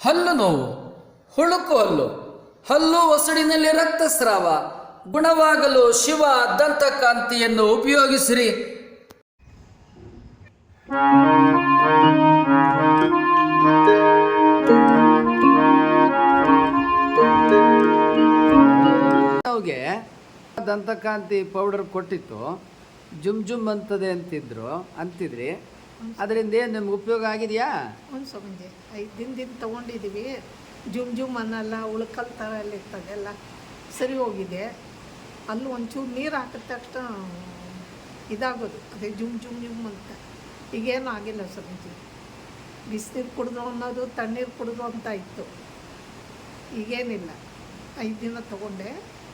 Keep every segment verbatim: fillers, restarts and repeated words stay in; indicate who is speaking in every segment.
Speaker 1: ಹಲ್ಲು ನೋವು, ಹುಳುಕು ಹಲ್ಲು, ಹಲ್ಲು ಒಸಡಿನಲ್ಲಿ ರಕ್ತಸ್ರಾವ ಗುಣವಾಗಲು ಶಿವ ದಂತಕಾಂತಿಯನ್ನು ಉಪಯೋಗಿಸಿರಿ. ಅವ್ಗೆ ದಂತಕಾಂತಿ ಪೌಡರ್ ಕೊಟ್ಟಿತ್ತು, ಜುಮ್ ಜುಮ್ ಅಂತದೆ ಅಂತಿದ್ರು ಅಂತಿದ್ರಿ. ಅದರಿಂದ ಏನು ನಿಮ್ಗೆ ಉಪಯೋಗ ಆಗಿದೆಯಾ?
Speaker 2: ಒಂದು ಸಂಜೆ ಐದು ದಿನದಿಂದ ತೊಗೊಂಡಿದ್ದೀವಿ. ಜುಮ್ ಜುಮ್ ಅನ್ನಲ್ಲ, ಉಳ್ಕಲ್ ಥರ ಎಲ್ಲ ಇರ್ತದೆ ಎಲ್ಲ ಸರಿ ಹೋಗಿದೆ. ಅಲ್ಲಿ ಒಂಚೂರು ನೀರು ಹಾಕಿದ ತಕ್ಷಣ ಇದಾಗೋದು, ಅದೇ ಜುಮ್ ಜುಮ್ ಜುಮ್ ಅಂತ. ಈಗೇನು ಆಗಿಲ್ಲ ಸಂಜೆ. ಬಿಸಿನೀರು ಕುಡಿದು ಅನ್ನೋದು ತಣ್ಣೀರು ಕುಡಿದು ಅಂತ ಇತ್ತು, ಈಗೇನಿಲ್ಲ. ಐದು ದಿನ ತೊಗೊಂಡೆ.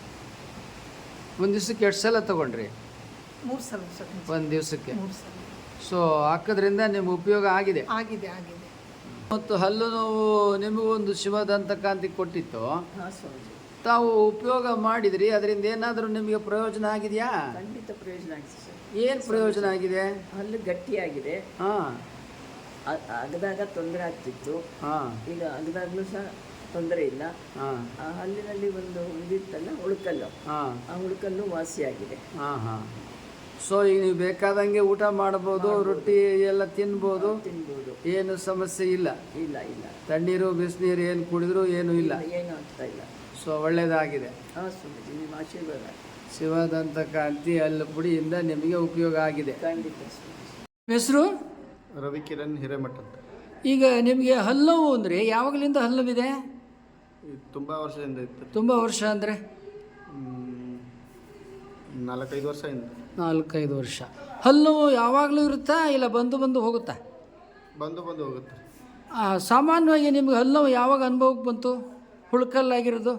Speaker 1: ಒಂದು ದಿವಸಕ್ಕೆ ಎಷ್ಟು ಸಲ ತೊಗೊಂಡ್ರಿ?
Speaker 2: ಮೂರು ಸಲ ಸಂಜೆ.
Speaker 1: ಒಂದು ದಿವಸಕ್ಕೆ
Speaker 2: ಮೂರು ಸಲ.
Speaker 1: ಸೊ ಹಾಕೋದ್ರಿಂದ ನಿಮ್ಗೆ ಉಪಯೋಗ ಆಗಿದೆ
Speaker 2: ಆಗಿದೆ ಆಗಿದೆ
Speaker 1: ಮತ್ತು ಹಲ್ಲು ನೋವು ನಿಮಗೊಂದು ಶಿವ ದಂತಕಾಂತಿ ಕೊಟ್ಟಿತ್ತು,
Speaker 3: ಹಾಂ ಸ್ವಾಮೀಜಿ.
Speaker 1: ತಾವು ಉಪಯೋಗ ಮಾಡಿದ್ರಿ. ಅದರಿಂದ ಏನಾದರೂ ನಿಮಗೆ ಪ್ರಯೋಜನ ಆಗಿದೆಯಾ?
Speaker 3: ಖಂಡಿತ ಪ್ರಯೋಜನ ಆಗಿದೆ ಸರ್.
Speaker 1: ಏನು ಪ್ರಯೋಜನ ಆಗಿದೆ?
Speaker 3: ಹಲ್ಲು ಗಟ್ಟಿಯಾಗಿದೆ.
Speaker 1: ಹಾಂ
Speaker 3: ಅ- ಅಗದಾಗ ತೊಂದರೆ ಆಗ್ತಿತ್ತು,
Speaker 1: ಹಾಂ
Speaker 3: ಈಗ ಅಗದಾಗಲೂ ಸಹ ತೊಂದರೆ ಇಲ್ಲ.
Speaker 1: ಹಾಂ
Speaker 3: ಆ ಹಲ್ಲಿನಲ್ಲಿ ಒಂದು ಇದಿತ್ತಲ್ಲ ಉಳುಕಲ್ಲು,
Speaker 1: ಹಾಂ
Speaker 3: ಆ ಉಳುಕಲ್ಲು ವಾಸಿಯಾಗಿದೆ.
Speaker 1: ಹಾಂ ಹಾಂ ಸೊ ಈಗ ನೀವು ಬೇಕಾದಂಗೆ ಊಟ ಮಾಡ್ಬೋದು, ರೊಟ್ಟಿ ಎಲ್ಲ ತಿನ್ಬೋದು,
Speaker 3: ತಿನ್ಬೋದು,
Speaker 1: ಏನು ಸಮಸ್ಯೆ ಇಲ್ಲ.
Speaker 3: ಇಲ್ಲ ಇಲ್ಲ
Speaker 1: ತಣ್ಣೀರು ಬಿಸಿನೀರು ಏನು ಕುಡಿದ್ರು ಏನೂ ಇಲ್ಲ.
Speaker 3: ಏನು ಆಗ್ತಾ ಇಲ್ಲ.
Speaker 1: ಸೊ ಒಳ್ಳೆಯದಾಗಿದೆ.
Speaker 3: ಹಾಂ ಸ್ವಾಮೀಜಿ, ನಿಮ್ಮ ಆಶೀರ್ವಾದ.
Speaker 1: ಶಿವದಂತಕಾಂತಿ ಹಲ್ಲು ಪುಡಿಯಿಂದ ನಿಮಗೆ ಉಪಯೋಗ ಆಗಿದೆ.
Speaker 3: ಖಂಡಿತ ಸ್ವಾಮೀಜಿ.
Speaker 1: ಹೆಸರು
Speaker 4: ರವಿಕಿರಣ್ ಹಿರೇಮಠ ಅಂತ.
Speaker 1: ಈಗ ನಿಮಗೆ ಹಲ್ಲುವು ಅಂದರೆ ಯಾವಾಗಲಿಂದ ಹಲ್ಲುವಿದೆ?
Speaker 4: ಇದು ತುಂಬ ವರ್ಷದಿಂದ ಇತ್ತು.
Speaker 1: ತುಂಬ ವರ್ಷ ಅಂದರೆ
Speaker 4: ಹ್ಮ್, ನಾಲ್ಕೈದು ವರ್ಷದಿಂದ.
Speaker 1: ನಾಲ್ಕೈದು ವರ್ಷ. ಹಲ್ಲು ಯಾವಾಗಲೂ ಇರುತ್ತಾ ಇಲ್ಲ ಬಂದು ಬಂದು ಹೋಗುತ್ತಾ?
Speaker 4: ಬಂದು ಬಂದು ಹೋಗುತ್ತೆ.
Speaker 1: ಆ, ಸಾಮಾನ್ಯವಾಗಿ ನಿಮ್ಗೆ ಹಲ್ಲು ಯಾವಾಗ ಅನುಭವಕ್ಕೆ ಬಂತು ಹುಳ್ಕಲ್ಲಾಗಿರೋದು?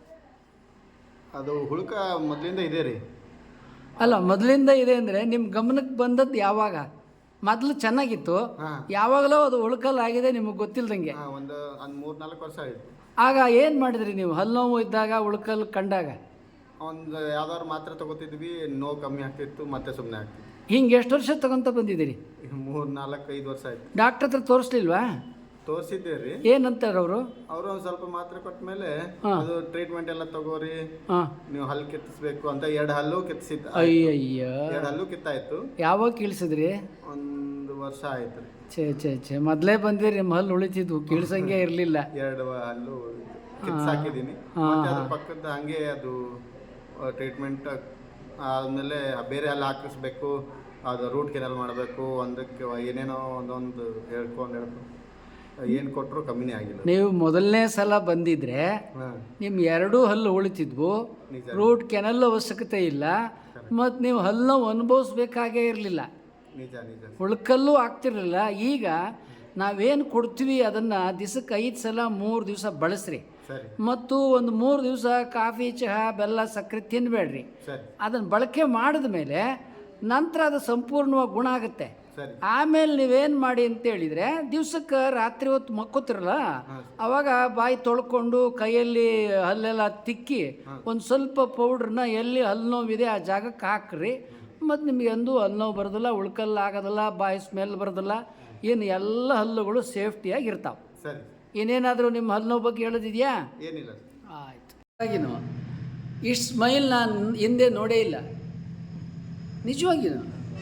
Speaker 4: ಅದು ಹುಳುಕ ಮೊದಲಿಂದ ಇದೆ ರೀ.
Speaker 1: ಅಲ್ಲ, ಮೊದಲಿಂದ ಇದೆ ಅಂದರೆ ನಿಮ್ಮ ಗಮನಕ್ಕೆ ಬಂದದ್ದು ಯಾವಾಗ? ಮೊದಲು ಚೆನ್ನಾಗಿತ್ತು,
Speaker 4: ಹಾಂ
Speaker 1: ಯಾವಾಗಲೂ ಅದು ಹುಳ್ಕಲ್ಲಾಗಿದೆ ನಿಮಗೆ ಗೊತ್ತಿಲ್ದಂಗೆ.
Speaker 4: ಹಾಂ ಒಂದು ಒಂದು ಮೂರು ನಾಲ್ಕು ವರ್ಷ ಆಯಿತು.
Speaker 1: ಆಗ ಏನು ಮಾಡಿದ್ರಿ ನೀವು ಹಲ್ಲು ನೋವು ಇದ್ದಾಗ ಹುಳ್ಕಲ್ ಕಂಡಾಗ?
Speaker 4: ಒಂದು ಯಾವ್ದಾದ್ರು ಮಾತ್ರೆ ತಗೋತಿದ್ವಿ, ನೋವು ಕಮ್ಮಿ ಆಗ್ತಿತ್ತು, ಮತ್ತೆ ಸುಮ್ಮನೆ ಆಗ್ತಿತ್ತು.
Speaker 1: ಹಿಂಗೆ ಎಷ್ಟು ವರ್ಷ ತಗೊಂತ ಬಂದಿದ್ದೀರಿ?
Speaker 4: ಈಗ ಮೂರು ನಾಲ್ಕು ಐದು ವರ್ಷ ಆಯಿತು.
Speaker 1: ಡಾಕ್ಟ್ರ್ ಹತ್ರ ತೋರಿಸ್ಲಿಲ್ವಾ?
Speaker 4: ತೋರಿಸಿದ್ದೆ ರೀ.
Speaker 1: ಏನಂತಾರೆ ಅವರು?
Speaker 4: ಅವರು ಒಂದು ಸ್ವಲ್ಪ ಮಾತ್ರೆ ಕೊಟ್ಟ ಮೇಲೆ
Speaker 1: ಹಾಂ.
Speaker 4: ಅದು ಟ್ರೀಟ್ಮೆಂಟ್ ಎಲ್ಲ ತಗೋರಿ,
Speaker 1: ಹಾಂ.
Speaker 4: ನೀವು ಹಲ್ಲು ಕಿತ್ತಿಸ್ಬೇಕು ಅಂತ ಎರಡು ಹಲ್ಲು ಕಿತ್ತಿಸಿದ್ದ.
Speaker 1: ಅಯ್ಯಯ್ಯ,
Speaker 4: ಎರಡು ಹಲ್ಲು ಕಿತ್ತಾಯ್ತು.
Speaker 1: ಯಾವಾಗ ಕೀಳ್ಸಿದ್ರಿ?
Speaker 4: ಒಂದು ವರ್ಷ ಆಯ್ತು ರೀ.
Speaker 1: ಛೇ ಛೇ ಛೇ ಮೊದಲೇ ಬಂದಿರಿ, ನಿಮ್ಮ ಹಲ್ಲು ಉಳಿತಿದ್ವು, ಕೀಳ್ಸಂಗೆ ಇರಲಿಲ್ಲ.
Speaker 4: ಎರಡು ಹಲ್ಲು ಕಿತ್ಸಾಕಿದ್ದೀನಿ. ಮತ್ತೆ ಅದ್ರ ಪಕ್ಕದ ಹಂಗೆ ಅದು ಟ್ರೀಟ್ಮೆಂಟ್ ಆದಮೇಲೆ ಬೇರೆ ಹಲ್ಲು ಹಾಕಿಸ್ಬೇಕು, ಅದು ರೂಟ್ ಕೆನಲ್ ಮಾಡಬೇಕು, ಒಂದಕ್ಕೆ ಏನೇನೋ ಒಂದೊಂದು ಹೇಳ್ಕೊಂಡು ಹೇಳ್ಕೊಂಡು ಏನು ಕೊಟ್ಟರು ಕಮ್ಮಿನೇ ಆಗಿಲ್ಲ.
Speaker 1: ನೀವು ಮೊದಲನೇ ಸಲ ಬಂದಿದ್ರೆ
Speaker 4: ಹಾಂ
Speaker 1: ನಿಮ್ಮ ಎರಡೂ ಹಲ್ಲು ಉಳಿತಿದ್ವು,
Speaker 4: ನಿಜ.
Speaker 1: ರೂಟ್ ಕೆನಲ್ ಅವಶ್ಯಕತೆ ಇಲ್ಲ, ಮತ್ತು ನೀವು ಹಲ್ಲು ಅನುಭವಿಸ್ಬೇಕಾಗೇ ಇರಲಿಲ್ಲ,
Speaker 4: ನಿಜ ನಿಜ.
Speaker 1: ಉಳ್ಕಲ್ಲೂ ಆಗ್ತಿರಲಿಲ್ಲ. ಈಗ ನಾವೇನು ಕೊಡ್ತೀವಿ ಅದನ್ನು ದಿವಸಕ್ಕೆ ಐದು ಸಲ ಮೂರು ದಿವಸ ಬಳಸ್ರಿ.
Speaker 4: ಸರಿ
Speaker 1: ಮತ್ತು ಒಂದು ಮೂರು ದಿವಸ ಕಾಫಿ ಚಹಾ ಬೆಲ್ಲ ಸಕ್ಕರೆ ತಿನ್ನಬೇಡ್ರಿ.
Speaker 4: ಸರಿ
Speaker 1: ಅದನ್ನು ಬಳಕೆ ಮಾಡಿದ ಮೇಲೆ ನಂತರ ಅದು ಸಂಪೂರ್ಣವಾಗಿ ಗುಣ ಆಗುತ್ತೆ.
Speaker 4: ಸರಿ.
Speaker 1: ಆಮೇಲೆ ನೀವೇನು ಮಾಡಿ ಅಂತೇಳಿದರೆ, ದಿವ್ಸಕ್ಕೆ ರಾತ್ರಿ ಹೊತ್ತು ಮಕ್ಕೋತಿರಲ್ಲ, ಅವಾಗ ಬಾಯಿ ತೊಳ್ಕೊಂಡು ಕೈಯಲ್ಲಿ ಹಲ್ಲೆಲ್ಲ ತಿಕ್ಕಿ ಒಂದು ಸ್ವಲ್ಪ ಪೌಡ್ರನ್ನ ಎಲ್ಲಿ ಹಲ್ಲು ನೋವಿದೆ ಆ ಜಾಗಕ್ಕೆ ಹಾಕ್ರಿ. ಮತ್ತು ನಿಮಗೆ ಎಂದೂ ಹಲ್ಲು ನೋವು ಬರೋದಿಲ್ಲ, ಉಳ್ಕಲ್ಲ ಆಗೋದಿಲ್ಲ, ಬಾಯಿ ಸ್ಮೆಲ್ ಬರೋದಿಲ್ಲ, ಏನು ಎಲ್ಲ ಹಲ್ಲುಗಳು ಸೇಫ್ಟಿಯಾಗಿ ಇರ್ತಾವೆ.
Speaker 4: ಸರಿ.
Speaker 1: ಇನ್ನೇನಾದರೂ ನಿಮ್ಮ ಹಲ್ಲು ನೋವು ಬಗ್ಗೆ ಹೇಳೋದಿದೆಯಾ?
Speaker 4: ಏನಿಲ್ಲ.
Speaker 1: ಆಯಿತು. ಹಾಗೇನು ಇಷ್ಟು ಸ್ಮೈಲ್ ನಾನು ಹಿಂದೆ ನೋಡೇ ಇಲ್ಲ, ನಿಜವಾಗಿಯೂ.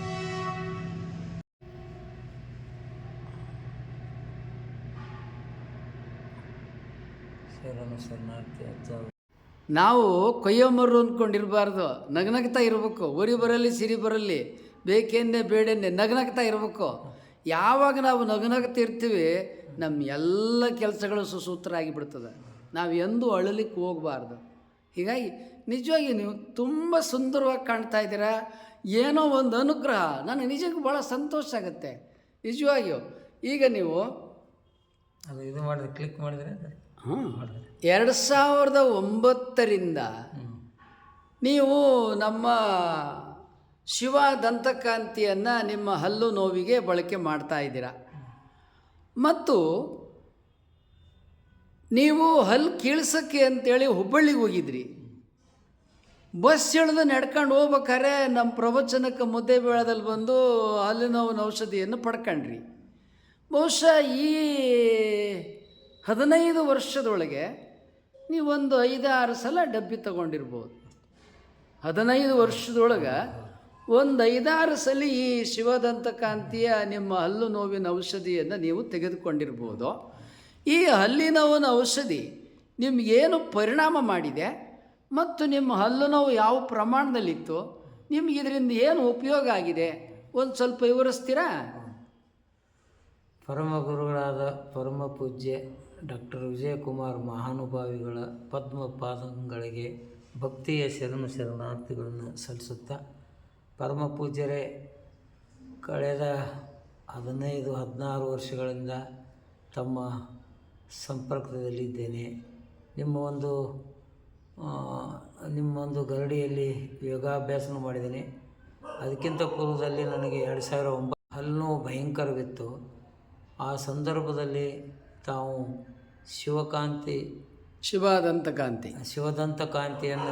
Speaker 1: ನಾವು ಕೊಯ್ಯೊಮ್ಮರು ಅಂದ್ಕೊಂಡಿರಬಾರ್ದು, ನಗನಗ್ತಾ ಇರಬೇಕು. ಊರಿ ಬರಲಿ ಸಿರಿ ಬರಲಿ, ಬೇಕೆಂದೇ ಬೇಡೆಂದೇ ನಗನಗ್ತಾ ಇರಬೇಕು. ಯಾವಾಗ ನಾವು ನಗನಗ್ತಾ ಇರ್ತೀವಿ, ನಮ್ಮ ಎಲ್ಲ ಕೆಲಸಗಳು ಸುಸೂತ್ರ ಆಗಿಬಿಡ್ತದೆ. ನಾವು ಎಂದೂ ಅಳಲಿಕ್ಕೆ ಹೋಗಬಾರ್ದು. ಹೀಗಾಗಿ ನಿಜವಾಗಿ ನೀವು ತುಂಬ ಸುಂದರವಾಗಿ ಕಾಣ್ತಾ ಇದ್ದೀರಾ. ಏನೋ ಒಂದು ಅನುಗ್ರಹ, ನನಗೆ ನಿಜಕ್ಕೂ ಭಾಳ ಸಂತೋಷ ಆಗುತ್ತೆ ನಿಜವಾಗಿಯೂ. ಈಗ ನೀವು
Speaker 5: ಅದು ಇದು ಮಾಡಿದ್ರೆ ಕ್ಲಿಕ್ ಮಾಡಿದರೆ
Speaker 1: ಹಾಂ ಎರಡು ಸಾವಿರದ ಒಂಬತ್ತರಿಂದ ನೀವು ನಮ್ಮ ಶಿವ ದಂತಕಾಂತಿಯನ್ನು ನಿಮ್ಮ ಹಲ್ಲು ನೋವಿಗೆ ಬಳಕೆ ಮಾಡ್ತಾ ಇದ್ದೀರಾ. ಮತ್ತು ನೀವು ಹಲ್ಲು ಕೀಳ್ಸೋಕ್ಕೆ ಅಂತೇಳಿ ಹುಬ್ಬಳ್ಳಿಗೆ ಹೋಗಿದ್ರಿ. ಬಸ್ ಇಳಿದು ನಡ್ಕೊಂಡು ಹೋಗ್ಬೇಕಾರೆ ನಮ್ಮ ಪ್ರವಚನಕ್ಕೆ ಮುದ್ದೆ ಬೇಳದಲ್ಲಿ ಬಂದು ಹಲ್ಲು ನೋವಿನ ಔಷಧಿಯನ್ನು ಪಡ್ಕೊಂಡ್ರಿ. ಬಹುಶಃ ಈ ಹದಿನೈದು ವರ್ಷದೊಳಗೆ ನೀವೊಂದು ಐದಾರು ಸಲ ಡಬ್ಬಿ ತಗೊಂಡಿರ್ಬೋದು. ಹದಿನೈದು ವರ್ಷದೊಳಗೆ ಒಂದು ಐದಾರು ಸಲ ಈ ಶಿವದಂತಕಾಂತಿಯ ನಿಮ್ಮ ಹಲ್ಲು ನೋವಿನ ಔಷಧಿಯನ್ನು ನೀವು ತೆಗೆದುಕೊಂಡಿರ್ಬೋದು. ಈ ಹಲ್ಲಿನ ನೋವಿನ ಔಷಧಿ ನಿಮಗೇನು ಪರಿಣಾಮ ಮಾಡಿದೆ ಮತ್ತು ನಿಮ್ಮ ಹಲ್ಲು ನೋವು ಯಾವ ಪ್ರಮಾಣದಲ್ಲಿತ್ತು, ನಿಮ್ಗೆ ಇದರಿಂದ ಏನು ಉಪಯೋಗ ಆಗಿದೆ ಒಂದು ಸ್ವಲ್ಪ ವಿವರಿಸ್ತೀರಾ?
Speaker 5: ಪರಮ ಗುರುಗಳಾದ ಪರಮ ಪೂಜ್ಯ ಡಾಕ್ಟರ್ ವಿಜಯಕುಮಾರ್ ಮಹಾನುಭಾವಿಗಳ ಪದ್ಮ ಪಾದಗಳಿಗೆ ಭಕ್ತಿಯ ಶರಣ ಶರಣಾರ್ಥಿಗಳನ್ನು ಸಲ್ಲಿಸುತ್ತಾ, ಪರಮ ಪೂಜ್ಯರೇ, ಕಳೆದ ಹದಿನೈದು ಹದಿನಾರು ವರ್ಷಗಳಿಂದ ತಮ್ಮ ಸಂಪರ್ಕದಲ್ಲಿದ್ದೇನೆ. ನಿಮ್ಮ ಒಂದು ನಿಮ್ಮ ಒಂದು ಗರಡಿಯಲ್ಲಿ ಯೋಗಾಭ್ಯಾಸನ ಮಾಡಿದ್ದೇನೆ. ಅದಕ್ಕಿಂತ ಪೂರ್ವದಲ್ಲಿ ನನಗೆ ಎರಡು ಸಾವಿರ ಒಂಬತ್ತು ಹಲ್ಲು ಭಯಂಕರವಿತ್ತು. ಆ ಸಂದರ್ಭದಲ್ಲಿ ತಾವು ಶಿವಕಾಂತಿ
Speaker 1: ಶಿವದಂತಕಾಂತಿ
Speaker 5: ಶಿವದಂತ ಕಾಂತಿಯನ್ನು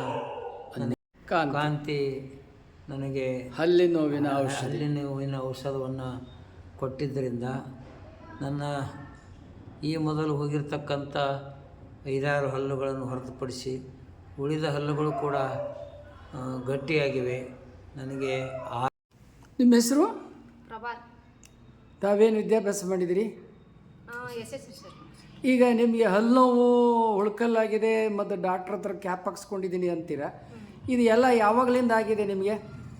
Speaker 1: ಕಾಂತಿ
Speaker 5: ಕಾಂತಿ ನನಗೆ
Speaker 1: ಹಲ್ಲಿನ ನೋವಿನ ಔಷಧಿ
Speaker 5: ಹಲ್ಲಿನ ನೋವಿನ ಔಷಧವನ್ನು ಕೊಟ್ಟಿದ್ದರಿಂದ ನನ್ನ ಈ ಮೊದಲು ಹೋಗಿರ್ತಕ್ಕಂಥ ಐದಾರು ಹಲ್ಲುಗಳನ್ನು ಹೊರತುಪಡಿಸಿ ಉಳಿದ ಹಲ್ಲುಗಳು ಕೂಡ ಆ, ಗಟ್ಟಿಯಾಗಿವೆ. ನನಗೆ ಆ
Speaker 1: ನಿಮ್ಮ ಹೆಸರು?
Speaker 6: ಪ್ರಭಾತ್.
Speaker 1: ತಾವೇನು ವಿದ್ಯಾಭ್ಯಾಸ ಮಾಡಿದಿರಿ?
Speaker 6: Yes yes sir.
Speaker 1: ಈಗ ನಿಮಗೆ ಹಲ್ಲು ನೋವು ಉಳ್ಕಲ್ಲಾಗಿದೆ ಮತ್ತು ಡಾಕ್ಟ್ರ್ ಹತ್ರ ಕ್ಯಾಪ್ ಹಾಕ್ಸ್ಕೊಂಡಿದ್ದೀನಿ ಅಂತೀರಾ. ಇದು ಎಲ್ಲ ಯಾವಾಗಲಿಂದ ಆಗಿದೆ ನಿಮಗೆ?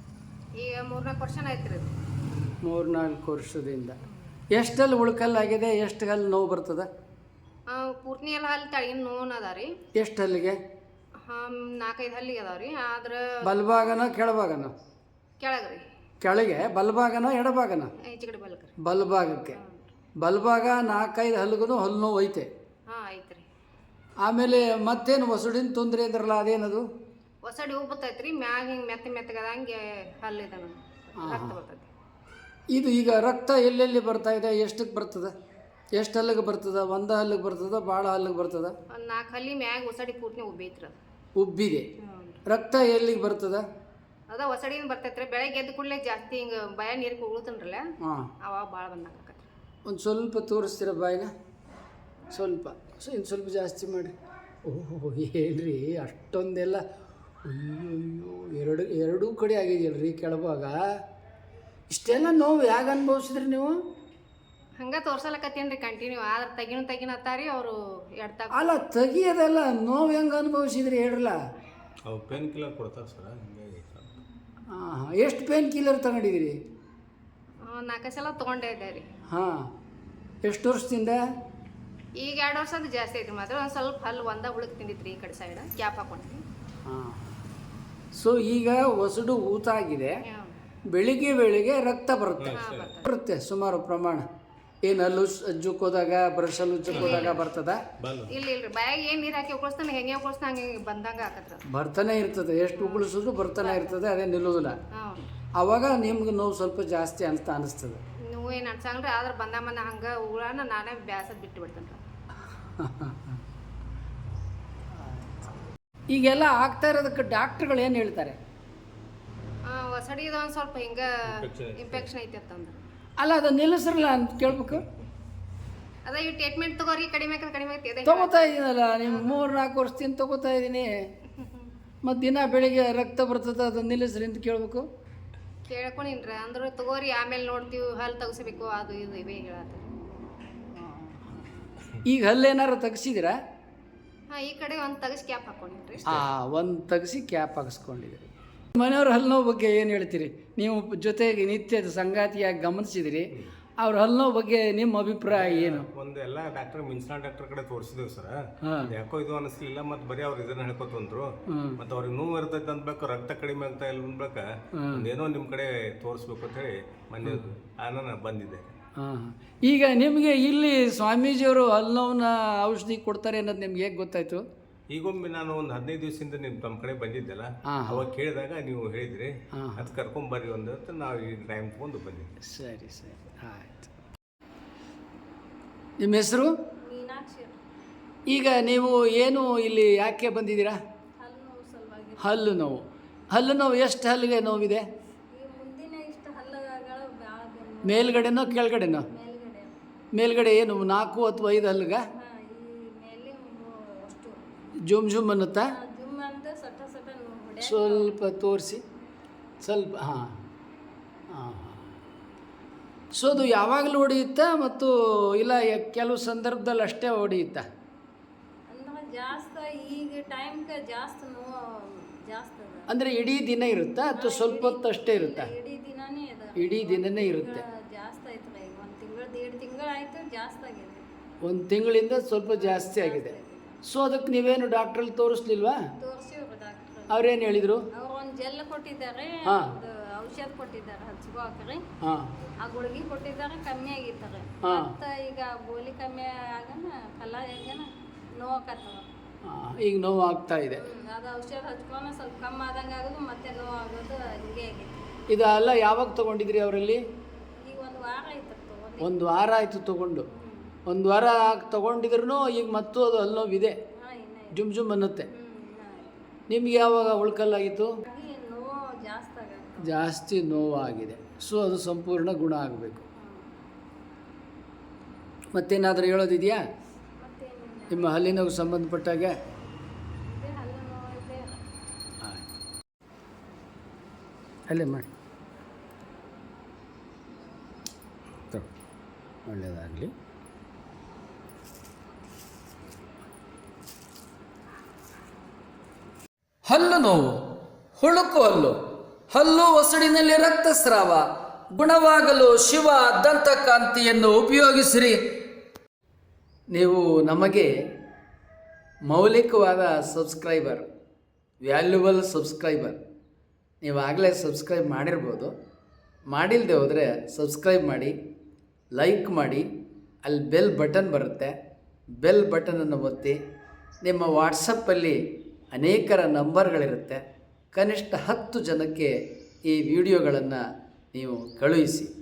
Speaker 6: ಈಗ ಮೂರ್ನಾಲ್ಕು ವರ್ಷ ಆಯ್ತು ರೀ.
Speaker 1: ಮೂರು ನಾಲ್ಕು ವರ್ಷದಿಂದ. ಎಷ್ಟಲ್ಲಿ ಉಳ್ಕಲ್ಲಾಗಿದೆ, ಎಷ್ಟು ಹಲ್ಲು ನೋವು ಬರ್ತದೆ?
Speaker 6: ಪೂರ್ತಿ ಎಲ್ಲ ಹಲ್ಲಿ ತಳಗಿನ ನೋವು ಅದ ರೀ.
Speaker 1: ಎಷ್ಟು ಹಲ್ಲಿಗೆ?
Speaker 6: ಹಾಂ, ನಾಲ್ಕೈದು ಹಲ್ಲಿಗೆ ಅದಾವ ರೀ. ಆದ್ರೆ
Speaker 1: ಬಲಭಾಗನ ಕೆಳಭಾಗನ?
Speaker 6: ಕೆಳಗೆ ರೀ.
Speaker 1: ಕೆಳಗೆ ಬಲಭಾಗನ ಎಡಭಾಗನ?
Speaker 6: ಈಚೆ ಕಡೆ ಬಲ್ಕ ರೀ.
Speaker 1: ಬಲಭಾಗಕ್ಕೆ. ಬಲಭಾಗ ನಾಲ್ಕೈದು ಹಲ್ಲಿಗೂ ಹಲ್ಲು ನೋವು ಐತೆ.
Speaker 6: ಹಾಂ, ಐತೆ ರೀ.
Speaker 1: ಆಮೇಲೆ ಮತ್ತೇನು ಹೊಸಡಿನ ತೊಂದರೆ ಇದ್ರಲ್ಲ, ಅದೇನದು?
Speaker 6: ಹೊಸಡಿ ಹೂ ಬರ್ತೈತೆ ರೀ. ಮ್ಯಾಗ ಹಿಂಗೆ ಮೆತ್ತ ಮೆತ್ತಗದಂಗೆ ಹಲ್ಲು ಇದೆ ನಮ್ಗೆ, ರಕ್ತ ಬರ್ತೈತಿ.
Speaker 1: ಇದು ಈಗ ರಕ್ತ ಎಲ್ಲೆಲ್ಲಿ ಬರ್ತಾ ಇದೆ, ಎಷ್ಟಕ್ಕೆ ಬರ್ತದೆ, ಎಷ್ಟು ಹಲ್ಲಿಗೆ ಬರ್ತದೆ? ಒಂದು ಹಲ್ಲಿಗೆ ಬರ್ತದೆ, ಭಾಳ ಹಲ್ಲಿಗೆ ಬರ್ತದೆ?
Speaker 6: ಒಂದು ನಾಲ್ಕು ಹಲ್ಲಿ ಮ್ಯಾಗ ಹೊಸಡಿ ಪೂರ್ತಿ ಉಬ್ಬೈತ್ರಿ ಅದು.
Speaker 1: ಉಬ್ಬಿದೆ. ರಕ್ತ ಎಲ್ಲಿಗೆ ಬರ್ತದೆ?
Speaker 6: ಅದ ಹೊಸಡಿನ ಬರ್ತೈತೆ ರೀ. ಬೆಳಗ್ಗೆ ಎದ್ದು ಕೂಡಲೇ ಜಾಸ್ತಿ ಹಿಂಗೆ ಭಯ ನೀರಿಗೆ ಉಗುಳ್ತನ್ರಲ್ಲ,
Speaker 1: ಹಾಂ,
Speaker 6: ಅವಾಗ ಭಾಳ ಬಂದಾಗ ಆಕತ್ರಿ.
Speaker 1: ಒಂದು ಸ್ವಲ್ಪ ತೋರಿಸ್ತೀರ ಬಾಯಿನ? ಸ್ವಲ್ಪ ಸೊ ಇನ್ನು ಸ್ವಲ್ಪ ಜಾಸ್ತಿ ಮಾಡಿ. ಓಹೋ, ಹೇಳ್ರಿ ಅಷ್ಟೊಂದೆಲ್ಲ. ಅಯ್ಯೋ, ಎರಡು ಎರಡೂ ಕಡೆ ಆಗಿದೆಯಲ್ರಿ ಕೆಳಭಾಗ. ಇಷ್ಟೆಲ್ಲ ನೋವು ಯಾಕೆ ಅನುಭವಿಸಿದ್ರಿ ನೀವು?
Speaker 6: ಹಂಗೆ ತೋರ್ಸಲಕತ್ತೇನು ರೀ ಕಂಟಿನ್ಯೂ. ಆದ್ರೆ ತಗಿನ ತಗಿನ ಅತ್ತಾರಿ ಅವರು ಎಡ್ತಾ.
Speaker 1: ಅಲ್ಲ, ತೆಗಿಯೋದಲ್ಲ, ನೋವು ಹೆಂಗೆ ಅನುಭವಿಸಿದ್ರಿ ಹೇಳ್ರಲ್ಲ.
Speaker 4: ಅವು ಪೇನ್ ಕಿಲ್ಲರ್ ಕೊಡ್ತಾರೆ ಸರ್, ಹಿಂಗಾಗಿ
Speaker 1: ಹಾಂ ಹಾಂ. ಎಷ್ಟು ಪೇನ್ ಕಿಲ್ಲರ್ ತಗೊಂಡಿದ್ದೀರಿ?
Speaker 6: ನಾಲ್ಕು ಸಲ ತೊಗೊಂಡೇ ಇದ್ದೆ ರೀ.
Speaker 1: ಹಾಂ. ಎಷ್ಟು ವರ್ಷದಿಂದ?
Speaker 6: ಈಗ ಎರಡು ವರ್ಷ ಅದು ಜಾಸ್ತಿ ಐತ್ರಿ. ಮಾತ್ರ ಒಂದು ಸ್ವಲ್ಪ ಹಲ್ಲು ಒಂದ ಹುಳುಕ್ ತಿಂದಿತ್ರಿ ಈ ಕಡೆ ಸೈಡ್, ಕ್ಯಾಪ್ ಹಾಕೊಂಡ್ರಿ.
Speaker 1: ಹಾಂ. ಸೊ ಈಗ ಹೊಸಡು ಊತಾಗಿದೆ, ಬೆಳಿಗ್ಗೆ ಬೆಳಿಗ್ಗೆ ರಕ್ತ ಬರುತ್ತೆ ಬರುತ್ತೆ ಸುಮಾರು ಪ್ರಮಾಣ. ಏನು ಹಲ್ಲು ಉಜ್ಜಕ್ಕೋದಾಗ, ಬ್ರಷ್ ಹಲ್ಲು ಉಜ್ಜಕ್ಕೋದಾಗ ಬರ್ತದ?
Speaker 6: ಇಲ್ಲ ಇಲ್ರಿ, ಬಾಯಾಗ ಏನು ನೀರು ಹಾಕಿ ಉಗುಳಿಸ್ತಾನೆ, ಹೆಂಗೆ ಉಗುಳಿಸ್ತಾ ಹಂಗೆ ಬಂದಂಗೆ ಆಕತ್ರ.
Speaker 1: ಬರ್ತಾನೆ ಇರ್ತದೆ, ಎಷ್ಟು ಉಗುಳಿಸಿದ್ರು ಬರ್ತಾನೆ ಇರ್ತದೆ, ಅದೇ ನಿಲ್ಲೋದಿಲ್ಲ.
Speaker 6: ಹಾಂ,
Speaker 1: ಆವಾಗ ನಿಮ್ಗೆ ನೋವು ಸ್ವಲ್ಪ ಜಾಸ್ತಿ ಅಂತ ಅನಿಸ್ತದೆ.
Speaker 6: ನೀವು ಏನು ಅನ್ಸಂಗ್ರಿ. ಆದ್ರೆ ಬಂದ ಮನ ಹಂಗೆ ಉಗುಳನ ನಾನೇ ಬ್ಯಾಸದ್ ಬಿಟ್ಟು ಬಿಡ್ತೇನೆ.
Speaker 1: ಈಗೆಲ್ಲ ಆಗ್ತಾ ಇರೋದಕ್ಕೆ ಡಾಕ್ಟ್ರುಗಳು ಏನು ಹೇಳ್ತಾರೆ?
Speaker 6: ಹೊಸಡಿದ ಒಂದು ಸ್ವಲ್ಪ ಹಿಂಗೆ ಇನ್ಫೆಕ್ಷನ್ ಐತಿ ಅಂತಂದ್ರೆ.
Speaker 1: ಅಲ್ಲ, ಅದು ನಿಲ್ಲಿಸ್ರಲ್ಲ ಅಂತ ಕೇಳ್ಬೇಕು.
Speaker 6: ಅದ ಈ ಟ್ರೀಟ್ಮೆಂಟ್ ತಗೋರಿ, ಕಡಿಮೆ ಆಕತ್ ಕಡಿಮೆ ಐತಿ.
Speaker 1: ತಗೋತಾ ಇದ್ದೀನಲ್ಲ, ನಿಮ್ಮ ಮೂರು ನಾಲ್ಕು ವರ್ಷದಿಂದ ತಗೋತಾ ಇದ್ದೀನಿ. ಮತ್ತು ದಿನ ಬೆಳಿಗ್ಗೆ ರಕ್ತ ಬರ್ತದೆ, ಅದು ನಿಲ್ಲಿಸ್ರಿ ಅಂತ ಕೇಳ್ಬೇಕು.
Speaker 6: ಕೇಳ್ಕೊಂಡಿನ್ರಿ. ಅಂದ್ರೆ ತಗೋರಿ, ಆಮೇಲೆ ನೋಡ್ತೀವಿ, ಹಲ್ಲು ತೆಗಿಸ್ಬೇಕು, ಅದು ಇದು ಇವೇ ಹೇಳತ್ತಾರೆ.
Speaker 1: ಈಗ ಹಲ್ಲೇನಾರು ತೆಗ್ಸಿದ್ದೀರಾ?
Speaker 6: ಹಾಂ, ಈ ಕಡೆ ಒಂದು ತೆಗಿಸಿ ಕ್ಯಾಪ್ ಹಾಕೊಂಡಿನ್ರಿ.
Speaker 1: ಹಾಂ, ಒಂದು ತೆಗ್ಸಿ ಕ್ಯಾಪ್ ಹಾಕಿಸ್ಕೊಂಡಿದ್ದೀರಿ. ಮನೆಯವ್ರ ಹಲ್ಲು ನೋವು ಬಗ್ಗೆ ಏನು ಹೇಳ್ತೀರಿ? ನೀವು ಜೊತೆಗೆ ನಿತ್ಯದ ಸಂಗಾತಿಯಾಗಿ ಗಮನಿಸಿದಿರಿ, ಅವ್ರ ಹಲ್ಲು ನೋವು ಬಗ್ಗೆ ನಿಮ್ಮ ಅಭಿಪ್ರಾಯ ಏನು?
Speaker 7: ಒಂದು ಎಲ್ಲ ಡಾಕ್ಟರ್ ಮಿನ್ಸ್ನಾ ಡಾಕ್ಟರ್ ಕಡೆ ತೋರಿಸಿದ್ವಿ ಸರ್.
Speaker 1: ಹಾಂ.
Speaker 7: ಯಾಕೋ ಇದು ಅನಿಸ್ಲಿಲ್ಲ. ಮತ್ತು ಬರೀ ಅವ್ರು ಇದನ್ನ ಹೇಳ್ಕೊತ ಬಂದ್ರು. ಮತ್ತು ಅವ್ರಿಗೆ ನೋವು ಇರ್ತೈತೆ ಅಂದ್ಬೇಕು, ರಕ್ತ ಕಡಿಮೆ ಆಗ್ತಾ ಇಲ್ಲ ಅಂದ್ಬೇಕು, ಒಂದೇನೋ ನಿಮ್ಮ ಕಡೆ ತೋರಿಸ್ಬೇಕು ಅಂತ ಹೇಳಿ ಮೊನ್ನೆ ನಾನು ಬಂದಿದ್ದೆ.
Speaker 1: ಹಾಂ. ಈಗ ನಿಮಗೆ ಇಲ್ಲಿ ಸ್ವಾಮೀಜಿಯವರು ಹಲ್ಲು ನೋವಿನ ಔಷಧಿ ಕೊಡ್ತಾರೆ ಅನ್ನೋದು ನಿಮ್ಗೆ ಹೇಗೆ ಗೊತ್ತಾಯ್ತು?
Speaker 7: ಈಗೊಮ್ಮೆ ನಾನು ಒಂದು ಹದಿನೈದು ದಿವಸದಿಂದ ನಿಮ್ಮ ನಮ್ಮ ಕಡೆ ಬಂದಿದ್ದೆಲ್ಲ, ಅವಾಗ ಕೇಳಿದಾಗ ನೀವು ಹೇಳಿದ್ರಿ, ಅದು ಕರ್ಕೊಂಬರ್ರಿ ಒಂದು ಅಂತ ನಾವು ಈ ಟೈಮ್ ತಗೊಂಡು ಬಂದಿದ್ದೆ.
Speaker 1: ಸರಿ ಸರಿ, ಆಯ್ತು. ನಿಮ್ಮ ಹೆಸರು? ಈಗ ನೀವು ಏನು ಇಲ್ಲಿ ಯಾಕೆ ಬಂದಿದ್ದೀರಾ? ಹಲ್ಲು ನೋವು. ಹಲ್ಲು ನೋವು ಎಷ್ಟು ಹಲ್ಲಿಗೆ ನೋವಿದೆ? ಮೇಲ್ಗಡೆನೋ ಕೆಳಗಡೆನೋ? ಮೇಲ್ಗಡೆ ಏನು ನಾಲ್ಕು ಅಥವಾ ಐದು ಹಲ್ಲಿಗ? ಜುಮ್ ಜುಮ್ ಅನ್ನುತ್ತಾ
Speaker 8: ಜುಮ್ ಅಂತ ಸಟ ಸಟ ಹೊಡೆ
Speaker 1: ಸ್ವಲ್ಪ ತೋರಿಸಿ ಸ್ವಲ್ಪ ಹಾಂ ಹಾಂ ಸೊ ಅದು ಯಾವಾಗಲೂ ಹೊಡೆಯುತ್ತಾ ಮತ್ತು ಇಲ್ಲ ಯ- ಕೆಲವು ಸಂದರ್ಭದಲ್ಲಿ ಅಷ್ಟೇ ಹೊಡೆಯುತ್ತಾ?
Speaker 8: ಅಂದ್ರೆ ಜಾಸ್ತಿ ಈಗ ಟೈಮ್ಗೆ ಜಾಸ್ತಿ ನೋವು ಜಾಸ್ತಿ ಅದ.
Speaker 1: ಅಂದರೆ ಇಡೀ ದಿನ ಇರುತ್ತಾ ಅಥವಾ ಸ್ವಲ್ಪ ಹೊತ್ತು ಅಷ್ಟೇ ಇರುತ್ತಾ?
Speaker 8: ಇಡೀ ದಿನಾನೇ ಅದ.
Speaker 1: ಇಡೀ ದಿನನೇ ಇರುತ್ತೆ.
Speaker 8: ಜಾಸ್ತಿ ಆಯ್ತು ಈಗ ಒಂದು ತಿಂಗಳು ಎರಡು ತಿಂಗಳು ಆಯ್ತು ಜಾಸ್ತಿ ಆಗಿದೆ.
Speaker 1: ಒಂದು ತಿಂಗಳಿಂದ ಸ್ವಲ್ಪ ಜಾಸ್ತಿ ಆಗಿದೆ. ಸೊ ಅದಕ್ಕೆ ನೀವೇನು ಡಾಕ್ಟ್ರಲ್ಲಿ ತೋರಿಸ್ಲಿಲ್ವಾ?
Speaker 8: ತೋರಿಸಿವ್ರಿ ಡಾಕ್ಟ್ರ್.
Speaker 1: ಅವ್ರೇನು ಹೇಳಿದರು?
Speaker 8: ಅವ್ರು ಒಂದು ಜೆಲ್ ಕೊಟ್ಟಿದ್ದಾರೆ,
Speaker 1: ಹಾ.
Speaker 8: ಒಂದು ಔಷಧ ಕೊಟ್ಟಿದ್ದಾರೆ ಹಚ್ಕೋಕ್ರಿ.
Speaker 1: ಹಾಂ
Speaker 8: ಆ ಗುಳಿಗೆ ಕೊಟ್ಟಿದ್ದಾರೆ, ಕಮ್ಮಿ ಆಗಿತ್ತಾರೆ.
Speaker 1: ಹಾ.
Speaker 8: ಮತ್ತು ಈಗ ಗೋಲಿ ಕಮ್ಮಿ ಆಗನ ಕಲ್ಲ ಹೆಂಗನ ನೋವಾಕತ್ತವ.
Speaker 1: ಹಾಂ ಈಗ ನೋವು ಆಗ್ತಾ ಇದೆ.
Speaker 8: ಅದು ಔಷಧ ಹಚ್ಕೊಂಡು ಸ್ವಲ್ಪ ಕಮ್ಮಿ ಆದಂಗೆ ಆಗೋದು ಮತ್ತೆ ನೋವು ಆಗೋದು ಹಿಂಗೆ ಆಗೈತಿ.
Speaker 1: ಇದೆಲ್ಲ ಯಾವಾಗ ತೊಗೊಂಡಿದ್ರಿ ಅವರಲ್ಲಿ?
Speaker 8: ಈಗ ಒಂದು ವಾರ ಆಯ್ತು ತಗೊಂಡು.
Speaker 1: ಒಂದು ವಾರ ಆಯಿತು ತೊಗೊಂಡು. ಒಂದು ವಾರ ತೊಗೊಂಡಿದ್ರು ಈಗ ಮತ್ತೂ ಅದು ಅಲ್ಲಿ ನೋವಿದೆ,
Speaker 8: ಹಾಂ ಇನ್ನೇ
Speaker 1: ಜುಮ್ ಜುಮ್ ಅನ್ನುತ್ತೆ.
Speaker 8: ಹ್ಞೂ ಇನ್ನೂ
Speaker 1: ನಿಮ್ಗೆ ಯಾವಾಗ ಉಳ್ಕಲ್ಲಾಗಿತ್ತು?
Speaker 8: ಆಗಿ ನೋವು ಜಾಸ್ತಿ ಆಗತ್ತೆ.
Speaker 1: ಜಾಸ್ತಿ ನೋವಾಗಿದೆ. ಸೊ ಅದು ಸಂಪೂರ್ಣ ಗುಣ ಆಗಬೇಕು. ಮತ್ತೇನಾದರೂ ಹೇಳೋದಿದೆಯಾ
Speaker 8: ಮತ್ತೇನಿಲ್ಲ,
Speaker 1: ನಿಮ್ಮ ಹಲ್ಲಿನವು ಸಂಬಂಧಪಟ್ಟಾಗೆ?
Speaker 8: ಇದೇ ಹಲ್ಲು ನೋವು ಇದೆ.
Speaker 1: ಆಯ್ತು, ಅಲ್ಲೇ ಮಾಡಿ. ತಗೋ, ಒಳ್ಳೆಯದಾಗಲಿ. ಹಲ್ಲು ನೋವು, ಹುಳುಕು ಹಲ್ಲು, ಹಲ್ಲು ಒಸಡಿನಲ್ಲಿ ರಕ್ತಸ್ರಾವ ಗುಣವಾಗಲು ಶಿವ ದಂತಕಾಂತಿಯನ್ನು ಉಪಯೋಗಿಸಿರಿ. ನೀವು ನಮಗೆ ಮೌಲಿಕವಾದ ಸಬ್ಸ್ಕ್ರೈಬರ್, ವ್ಯಾಲ್ಯುಬಲ್ ಸಬ್ಸ್ಕ್ರೈಬರ್. ನೀವು ಆಗಲೇ ಸಬ್ಸ್ಕ್ರೈಬ್ ಮಾಡಿರ್ಬೋದು. ಮಾಡಿಲ್ಲದೆ ಹೋದರೆ ಸಬ್ಸ್ಕ್ರೈಬ್ ಮಾಡಿ, ಲೈಕ್ ಮಾಡಿ. ಅಲ್ಲಿ ಬೆಲ್ ಬಟನ್ ಬರುತ್ತೆ, ಬೆಲ್ ಬಟನನ್ನು ಒತ್ತಿ. ನಿಮ್ಮ ವಾಟ್ಸಪ್ಪಲ್ಲಿ ಅನೇಕರ ನಂಬರ್ಗಳಿರುತ್ತೆ. ಕನಿಷ್ಠ ಹತ್ತು ಜನಕ್ಕೆ ಈ ವಿಡಿಯೋಗಳನ್ನು ನೀವು ಕಳುಹಿಸಿ.